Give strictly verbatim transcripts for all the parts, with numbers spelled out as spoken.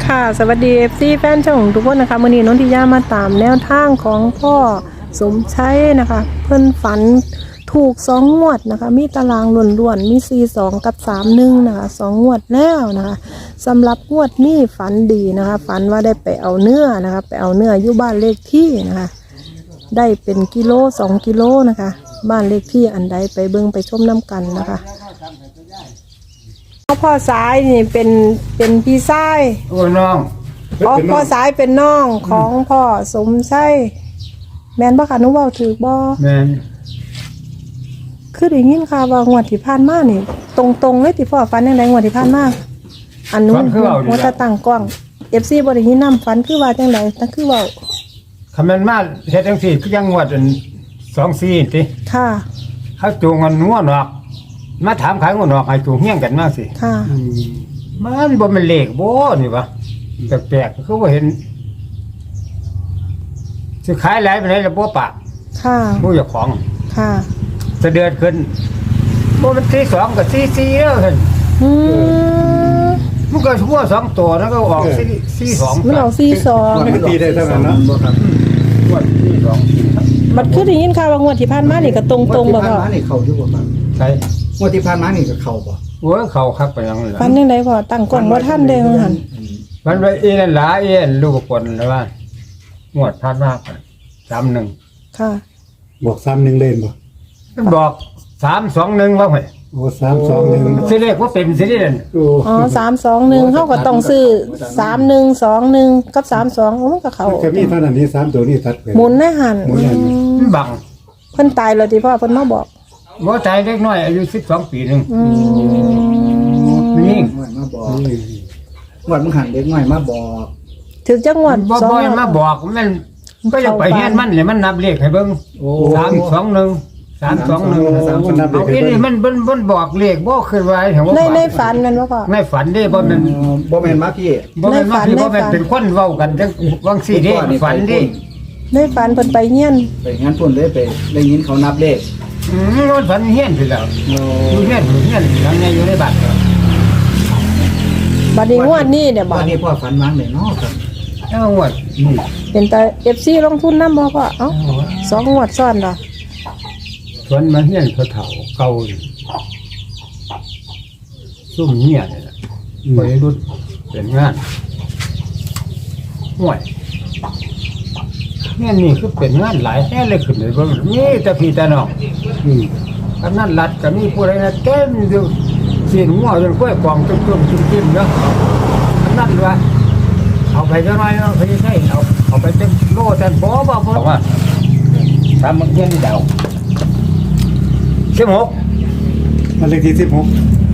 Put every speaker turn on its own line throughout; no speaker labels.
ค่ะสวัสดี เอฟ ซี แฟนช่องทุกคนนะคะมื้อนี้นนทิยามาตามแนวทางของพ่อสมชัยนะคะเพิ่นฝันถูกสองงวดนะคะมีตารางล้วนๆมีสี่สิบสองกับสามสิบเอ็ดนะคะสองงวดแล้วนะคะสำหรับงวดนี้ฝันดีนะคะฝันว่าได้ไปเอาเนื้อนะคะไปเอาเนื้ออยู่บ้านเลขที่นะคะได้เป็นกิโลสองกิโลนะคะบ้านเลขที่อันใดไปเบิ่งไปชมน้ำกันนะคะพ่อสายนี่เป็นเป็นพี่ชาย
โอ้น้อง
อ๋อพ่อสายเป็นน้องของพ่อสมชัยแม่นบ่ค่ะหนูเว้าถูกบ่
แม่น
คือได้ยินค่ะว่างวดที่ผ่านมานี่ตรงๆเลยที่พ่อฝันจังได๋งวดที่ผ่านมาอันนู้นหัวตาตั้งกล้อง เอฟ ซี บ่ได้ยินนำฝันคือว่าจังได๋แต่คือเว้า
คำนั้นมาเฮ็ดจังซี่คือยังงวดอันสองสี่ติ
ค่ะ
เขาจูงกันงัวนอกมาถามขายงัวนอกให้จูงเฮี้ยงกันมาสิ
ค่ะ
มันบ่แม่นเลขบ่นี่วะแปลกๆคือบ่เห็นสิขายหลายปานใดล่ะบ่ปาก
ค่ะ
ผู้เจ้าของ
ค่ะ
เสะเดือดขึ้นบ่มันที่สองก็สี่สี่แล้วเห็น
อืม
มันก็ชั่วสองตัวแล้วก็ออกสี่สี่สอง
มันเอาสี่สอง
มันตีได้เท่านั้นเนาะ
งวดสี่สองสี่ครับ
มันคือได้ยินค่ะว่างวดที่ผ่านมานี่ก็ตรงๆบ่
งวดที่
พ่อ
ผ่านมานี่เขาอยู่บ่ครับ
ใช่
งวดที่ผ่านมานี่ก็เขาบ่
โอ้ยเขาคักไปยังเลย
ฝันจังได๋พ่อตั้งกล้องบ่ทันเด้ว่าหั่น
มันไปเอ็นหลาเอ็นลูกคนแล้วว่างวดพันมากสามหนึ่ง
ค่ะ
บอกซ้ำหนึ่งเล่นบ่
มันบอกสามสองหนึ่งว่าไง
โอ้สามสองหนึ่ง
สิเลขว่าเป็นสิเด่น
โอ้
อ๋อสามสองหนึ่งเขาก็ต้องซื้อสามหนึ่งสองหนึ่งกับสามสองมันก็เขา
มันจะมีเท่านั้นนี้สามตัวนี้ตัดไป
หมุนในหัน
หมุนในหัน
อืม
มันบัง
เพิ่นตายแล้วที่พ่อเพิ่นมาบอก
หมอใจเล็กน้อยอายุสิบสองปีหนึ่ง
อืม
นี่
งวดมาบอกงวดมึงหันเด็กน้อยมาบอก
ถึงจังหวัด
บ่
สอง
บ่อยมาบอกมันก็จะไปเฮียนมันเลยมันนับเลขให้เบิ่ง
โอ้
สามสองหนึ่งสามสองหนึ่ง
สามคนนับเล
เอา
ข
อีนี่มันมันมันบอกเลขบ่ขึ้นไว้ถึงว่า
ในในฝันนั่นว่าพ่อ
ในฝันเด้บ่แม่น
บ่แม่นมาพี่
บ่แม่นว่า
ในฝัน
ที่บ่แม่น
ในฝัน
เป็นคนเว้ากันจังวังสี่เด้ฝันเด้
ในฝันเพิ่นไปเฮียน
ไปงั้นพุ่นเลยไปได้ยินเขานับเลข
อืมมันฝันเฮียนพี่แล้ว
โอ้
อยู่เฮียนอยู่เฮียนหลังใหญ่อยู่ในบ้าน
บัดนี้งวดนี้เนี่ยบ่
วันนี้พ่อฝันวางเลยเนาะครับ
แล้วงวดนี่
เป็นแต่ เอฟ ซี ลงทุนนำบ่พ่อเอ้าสองงวดซ้อนดอก
สวนมาเฮียนเขาเฒ่าเก่าอยู่ซุ่มเมียนี่ล่ะวัยรุ่นเป็นงานห่วยเนี่ยนี่คือเป็นงานหลายแท้เลยขึ้นเลยบ่มีแต่พี่แต่น้อง
อืม
กำนันรัดก็มีผู้ใดนะเต็มอยู่สีนหัวจนกล้วยกองจุ่มๆจิ้มๆเนาะกำนันว่าเอาไปจังหน่อยเนาะพี่ใช่เอาเอาไปจังโลจังบ่บ่บ่ว่าทำมันเฮียนนี่ดาวสิบหก
มันเลขที่สิบหก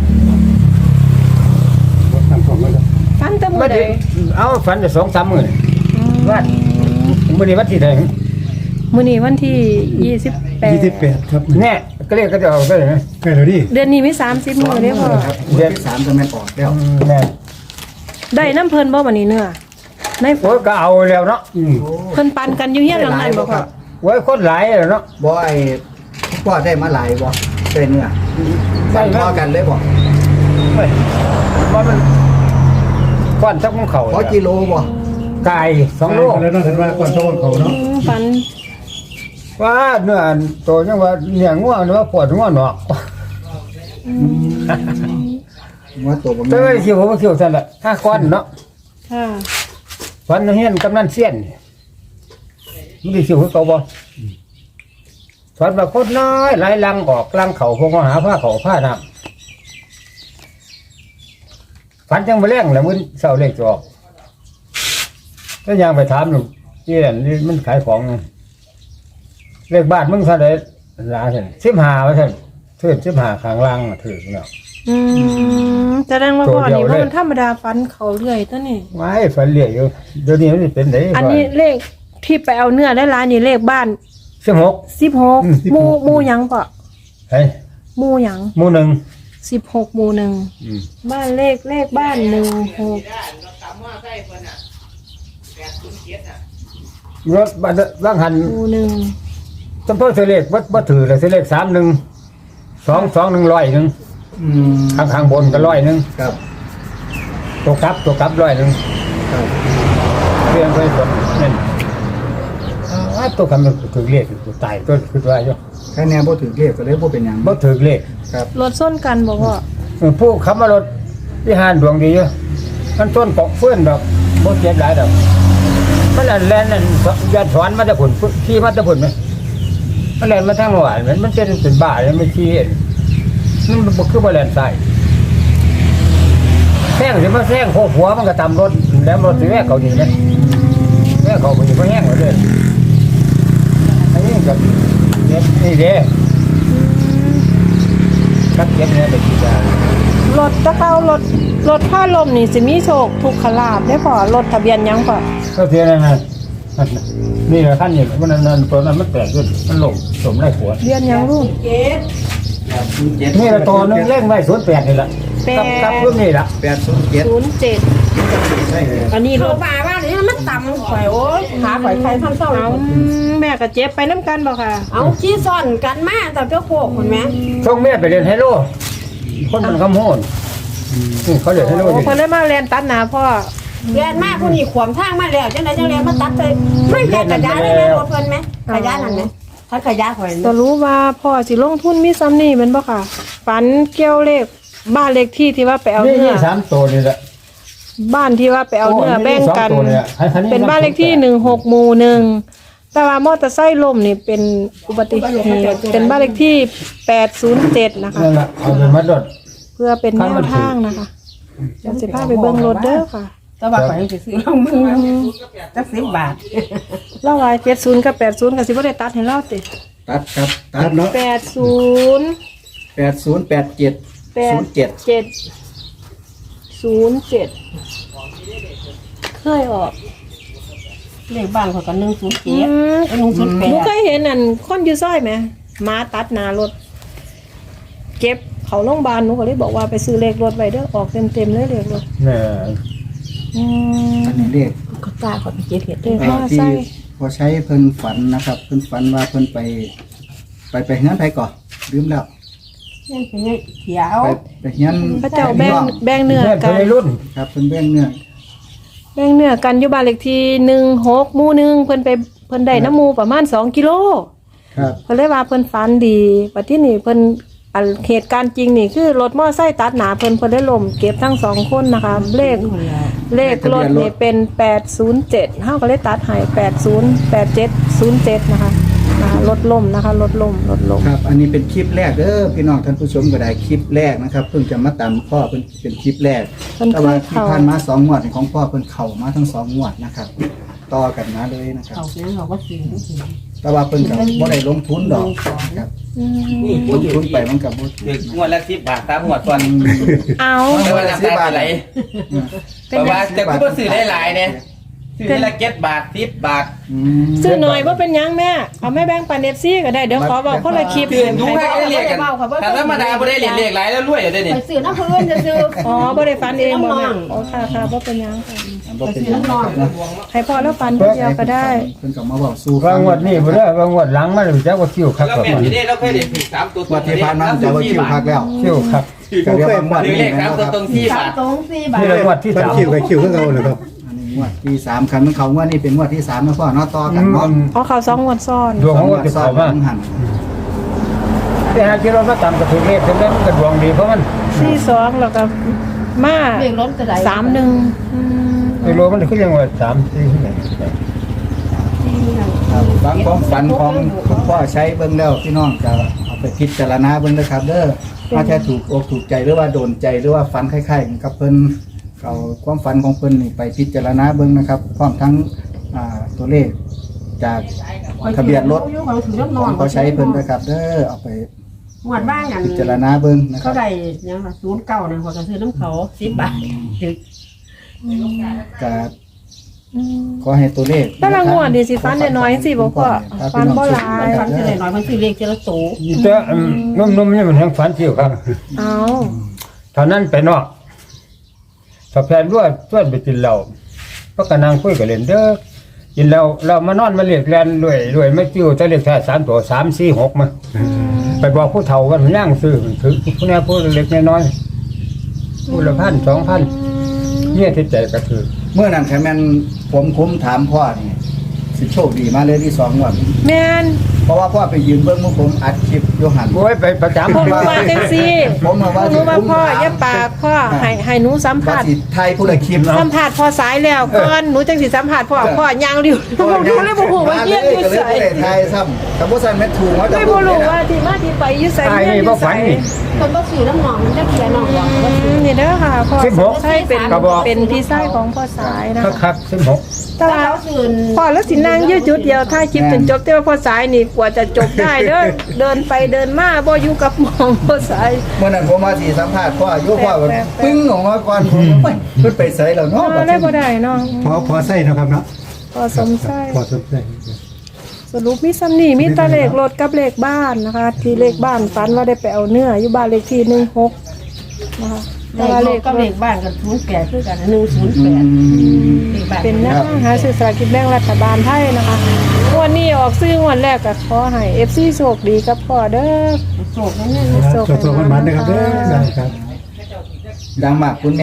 วัดทางของมัน
ฝันแต่มื้
ไม่
อใด
ได้เอาฝันจะสองสามหมื่นว่ามื่อนี้วันที่ไหน
มื้อนี้วันที่ยี่สิบแปด
ยี่สิบแปดครับ
แน่ก็เรียกก็จะเอาก็เลยนะ
ใกล้แล้วดิ
เดือนนี้มีสามสิบมื้อเด้อพ่อ
เดือนสามจะแม่นออกแล้ว
แน่
ได้น้ำเพิ่นบ่บัดนี้เนื้อใน
โอ้ยก็เอาแล้วเนาะ
อืม
เพิ่นปันกันอยู่เฮียนหลังนั้นบ่พ่อ
โอ้ยคนหลายแล้วเนาะ
บ่ไอ้พ่อได้มาหลายบ่ได้เนื้อได้พอกันเลยบ่
เฮ้ยว่ามันก้อนทักของเขา
พอกิโลบ่
ไก่สองโล
แล้วเนาะเห็นว่าก่อนต้องเขาเนาะ
อืมฝัน
ว่าเนื้อโตยังว่าเนี่ยง่วงหรือว่าปวดง่วงหนอก
ว่าตัวบ่
แต่
แม่
ว่าคิวผมคิวสั่นละห้าก้อนเนาะ
ค่ะ
ฟันเฮียนกำนันเสี้ยนมันได้คิวคือเก่าบ่ฟันมาโคตรน้อยไหลลังออกลังเข่าพวกมาหาผ้าเข่าผ้าน้ำฟันจังมาแรงแล้วมันเศร้าเลขจะออกถ้ายังไปถามหนูที่นั่นนี่มันขายของเลขบ้านมึงเท่าไหร่ลาเห็นสิบห้าว่าเท่านเทือนสิบห้าข้างล่างน่ะถือเนาะ
อืมแสดงว่า
ตัว
พ่อ
เดียว
นี่
เลย
ว่ามันธรรมดาฝันเขาเรื่อยตัวนี้
ไม่ฝันเหลี่ยอยู่เดี๋ยวนี้มันเป็นไหน
อันนี้เลขที่ไปเอาเนื้อได้ร้านนี่เลขบ้าน
สิบหก
สิบหก
อืม
หมู่หมู่หยังปะ
เฮ้ย
หมู่หยัง
หมู่หนึ่ง
สิบหกหมู่หนึ่ง
อืม
บ้านเลขเลขบ้านหนึ่งหก
รถบ้านร่างหัน
หมู่หนึ่ง
จำเพาะเสเลขวัดวัดถือเลยเสเลขสามหนึ่งสองสองหนึ่งร้อยหนึ่ง
อืม
ข้างข้างบนก็ร้อยหนึ่ง
ครับ
ตัวกลับตัวกลับร้อยหนึ่งเรียนไปสดนั่นอ้าตัวคำมันถือเลขตัวตายตัวคือว่าอยู่
แค่แนวบ่ถือเลขก็เลยบ่เป็นหยัง
บ่ถือเลข
ครับ
รถส้นกันบอกว่า
ผู้ขับมารถที่ห้านดวงดีอยู่มันต้นเกาะเฟื่อนดอกบ่เจ็บหลายดอกมันแล่นนั่นยัดถอนมาแต่ผลขี่มาแต่ผลไหมมันแล่นมาทางหวานมันมันเป็นเป็นบ้าเลยไม่ขี่มันบ่คือบ่แล่นใส่แซงสิมาแซงโคหัวมันก็ตามรถแล้วรถสิแม่เขานี่นะแม่เขาบ่สิบ่แห้งเลย อันนี้กับเจ็บนี่เด้กับเจ็บเนี่ยเป็นที่จะ
รถตะเข้ารถรถผ้าลมนี่สิมีโชคทุกขลาบได้พอรถทะเบียนหยังพอ
ก็เทียนนั่นนะนี่แหละขั้นนี่มันนั่นตัวนั้นมันแตกขึ้นมันหลงสมได้หัว
เรียนหยังลูก
นี่แหละตัวนึงเล่งไว้ศูนย์แปดนี่แหละกับกับรุ่นนี่แหละ
แปดศูนย์เจ็ด
ศูนย์เจ็ด
ใช่เลย
อันนี้ร
โร
ถ
บาว่าเนี่ยมันต่ำข่อยโอ้ยขาข่อยใครทำเศร้า
เอาแม่กับเจ็บไปน้ำกันบ่ค่ะ
เอาขี้ซ่อนกันมาแต่เจ้าโคกคนแม่
ช่วงแม่ไปเรียนไฮโลคนมันคำโหนนี่เขาเรียนไฮโล
โอ้
นี่
คนได้มาเรียนตัดหนาพ่อ
เรียนมากคนนี้ขวมทางมาแล้วจังไหนจังเรียนมาตัดเลยไม่แค่ขยะเลยแม่รถเพิ่นไหมขยะนั่นไหมถ้าขยะข่อย
จะรู้ว่าพ่อสิลงทุนมีซ้ำนี่เป็นบ่ค่ะ ฝันเกี่ยวเลขบ้านเลขที่ที่ว่าไปเอา
นี่
เนื้
นี่
อ
สามตัวนี่แหละ
บ้านที่ว่าไปเอาเนื้อแบ่งกัน
โอ้ยนี่สองตัวเนี่ยอันนี้
เป็นบ้านเลขที่หนึ่งหกหมู่หนึ่งแต่ว่ามอเตอร์ไซค์ล้มนี่เป็นอุบัติเหตุเป็นบ้านเลขที่แปดศูนย์เจ็ดนะคะ
นั่นแหละเอาไปมัดรถ
เพื่อเป็นแนวทางนะคะเดี๋ยวสิพาไปเบิ่งรถเด้อค่ะ
แต่ว่าข่อยยังสิซื้อลงมือจักสิบบาท
เล่าไว้เจ็ดศูนย์กับแปดศูนย์กับสิบ่ได้ตัดให้เล่าติ
ตัดครับตัดเนาะ
แปดศูนย์
แปดศูนย์แปดเจ็ด
แป
ศู
ด
นย์เจ็ด
เจ็ดศูนย์เจ็ดเคยออก
เลขบ้านข่อยก็หนึ่งศูนย์
อื
เจ็ด
ม
หนึ่งศูนย์แป
หนู
ด
เคยเห็นอันคนอยู่ซอยไหมหมาตัดหน้ารถ เก็บเขาโรงพยาบาลหนูก็เลยบอกว่าไปซื้อเลขรถไว้เด้อออกเต็มๆเลยเลขรถ
เนี่ย
อืม
อันนี้เลข
ก็กล้าข่อยไปเก็บเห็ด
เลข
เอ่
มา
อที่
ใส่
พอใช้เพิ่นฝันนะครับ เพิ่นฝันว่าเพิ่นไป ไปไปเฮือนไปก่อนลืมแล้ว
นี่เป็นไงเขียว
ไปไปเฮือน
พระเจ้าแบ่งแบ่งเนื้อ
เพื่อน
กั
เป็น
น
รุ่น
ครับเพิ่นแบ่งเนื้อ
แบ่งเนื้อกันอยู่บ้านเลขที่หนึ่งหกหมู่หนึ่งเพิ่นไปเพิ่นได้น้ำหมูประมาณสองกิโล
ครับ
เพิ่นเลยว่าเพิ่นฝันดีปัจจุบันนี้เพิ่นอันเหตุการณ์จริงนี่คือรถมอไซค์ตัดหนาเพิ่นเพิ่นได้ล้มเก็บทั้งสองคนนะคะ เลขเลขรถนี่เป็นแปดศูนย์เจ็ดเฮาก็เลยตัดให้แปดศูนย์แปดเจ็ดศูนย์เจ็ดนะคะนะคะรถล้มนะคะรถล้มรถล้ม
ครับ อันนี้เป็นคลิปแรกเด้อพี่น้องท่านผู้ชมก็ได้คลิปแรกนะครับ เพิ่งจะมาตามพ่อเป็นเป็นคลิปแรก
เพิ่น
แต่
เค
ว่าย ที่
เข้า
ผ่านมาสองงวดนี่ของพ่อเพิ่นเข้ามาทั้งสองงวดนะครับ ต่อกันมาเลยนะครับ
เขาเนี่ยเขาก็ซื้อ
แต่ว่าเพิ่นก็บ่ได้ลงทุนดอกครับ
อืม
ลงทุนไปมันก็บ่
เด็กงวดละสิบบาทตามงวดก่อน
เอา
แต่ว่าน้ำตาไหลแต่ว่าแต่กูก็ซื้อได้หลายเนี่ยซื้อละเจ็ดบาทสิบบาท
อืม
ซื้อหน่อยว่าเป็นหยังแม่เอาแม่แบ่งปันเอฟซีก็ได้เดี๋ยวขอบอกคนละคลิป
ซื้อดูให้ได้เรียกกันแต่ธรรมดาไม่ได้เรียกเรียกหลายแล้วรวยได้เนี่ย
ข่อยซื้อน้ำเพื่อนจะซื้อ
อ๋อบ่ได้ฟันเองบ่
น้
แม่
องๆ
อ๋อค่ะค่ะบ่เป็นหยังค่ะ
บ่เป็นหยังครับนะ
ให้พ่อแล้วฟันผู้เดียวก็ได้
เพิ่นก็มาบอกสู้
บางงวดนี่บ่ได้บางงวดหลังมันจะว่าคิวคัก
แล้ว
กว่า
แม่ที่นี่เราเคยเด็ดถึงสามตัว
งวดที่ผ่านมาจะว่าคิวพักแล้ว
คิวคัก
ก็เรียกว่างวด
หรือ
นี้
เลข
นะ
สาม
ค
ตัว
รับ
ตรงที่
สา
บาม ท
ตรงสี่บาท
นี่ละงวดที่สาม
คิวกับคิวก็เอาเลยครับ
อันนี้งวดที่สามคันมันเขางวดนี้เป็นงวดที่สามนะพ่อเนาะต่อกันเนาะ
อ๋อเขาสองงวดซ้อน
ดวงของคนที่
ซ้อ
เขา
น
มา
ทั้งหัน
แต่หากที่เรามาตามกระถือเลขถึงนั้นมันก็ดวงดีเพราะมัน
สี่สองแล้วก็มา
เลขรถก็ได้
สามหนึ่งอืม
ไอ้โลมันคือยังว่าสามสี่ที่ไหน
ครับบางความฝันของคุณพ่อใช้เบิ่งแล้วพี่น้องจะเอาไปพิจารณาเบิ่งนะครับเด้อถ้าแท้ถูกอกถูกใจหรือว่าโดนใจหรือว่าฝันคล้ายๆกับเพิ่นเอาความฝันของเพิ่นนี่ไปพิจารณาเบิ่งนะครับพร้อมทั้งอ่าตัวเลขจากทะเบียนรถของเขาใช้เพิ่นนะครับเด้อเอาไป
หวดบ้างอัน
พิจารณาเบิ่งนะครั
เขา
บ
ได้ยังล่ะศูนย์เก้าเนี่ยเขาจะซื้อน้ำเขาสิบบาทถึง
ก็
อืม
ขอให้ตัวเลข
แต่ละงวดนี่สิฟันน้อยๆสิบ่พ่อฟันบ่หลาย
ฟันเท่าไหร่น้อยมันซื้อเลขเจละโต
แต่นุ่มๆนี่มันทั้งฝันคิวครับ
เอา
เท่านั้นไปนอกถ้าแฟนด้วยชวนไปกินเหล้าก็กำลังคุยกับเล่นเด้อกินเหล้าเรามานอนมาเรียกแลนรวยรวยไม่จิ้วจะเรียกแค่สามตัวสามสี่หกมาไปบอกผู้เฒ่ากันย่างซื้อถือผู้นี้ผู้เล็กน้อยผู้ละพันสองพันเนี่ยที่ใจก็ถือ
เมื่อนั้นแค่แม่นผมคุ้มถามพ่อนี่สิโชคดีมาเลยที่สองงวด
แม่น
เพราะว่าพ่อไปยืนเบื้องมือผมอัดคลิปโยหัน
โอ้ยไปประจำ
ผมรู้ว่าจังซี่
ผมมา
ผ
ว่าม
รู้ว่าพ่ออย่าปากพ่อให้ให้หนูสัม
ว่า
ภาษณ์
สิไทยผู้ใดคลิปเนาะ
สัมภาษณ์พ่อสายแล้วก่อนหนูจังสิสัมภาษณ์พ่อพ่อย่างริ้วผมรู้เลยบ่ฮู้ว่าเยี่ยมอยู่
ก็เลย
ไส
บ่ได้ไทยซ้ำกับบ่ใส่แม่ถูกว่าจะ
ไม่บ่รู้ว่าที่มาที่ไปอยู่ไส
ตาย
เยี่ยม
นี่
อ
บ่
ยู่ไส
ฝันนี่
คนบ่ซื้อน้ำหนองมันจะเขียนหนองหรอก
อืมนี่เด้อค่ะพ่อ
สิบหก
ใช่เป็น
กระบอก
เป็นพี่ชายของพ่อสายนะ
คัก
คะ
คักสิบหก
แต่
ถ้า
ว่า
เขาซื้อ
พ่อแล้วสินั่งยืดจุดเดียวถ้าคลิปจนจบแต่ว่าพ่อสายนี่กว่าจะจบได้เด้อ เดินไปเดินมาบ่อยู่กับหมองพ่อสาย
เมื่อนั้นผมมาสิสัมภาษณ์พ่ออยู่พ่อก็
แปลกๆ
ปึ้งออกมาก่อนผมก็ไปเพิ่นไปไสแล้ว
อ๋อ
เนาะ
ได้บ่ได้เนาะ
พอพอใส่นะครับเนาะ
พ่อสมชาย
พอสนใจ
สรุปมีซ้ำนี่มีแตะเลขรถกับเลขบ้านนะคะ ที่เลขบ้านฝันว่าได้ไปเอาเนื้ออยู่บ้านเลขที่หนึ่งหกนะคะ
เล
แต่
ข
ว่าเล
เล
ข
ขก็
ร
เล
ถ
ขบ้านกับศูนย์แปดคือกันหนึ่งศูนย์
อื
แปด
ม
เลขบ้าน
เป็นหน้าหาสื่อสลารกินแบ่งรัฐบาลไทยนะคะงวันนี้ออกซื้องวันแรกก็ขอให้ เอฟ ซี โชคดีกับพ่อเด้อ
โศกนั่นนี่
ตัวตัวมันมันนะครับเด้อได้ครับ
ดังมากคุณ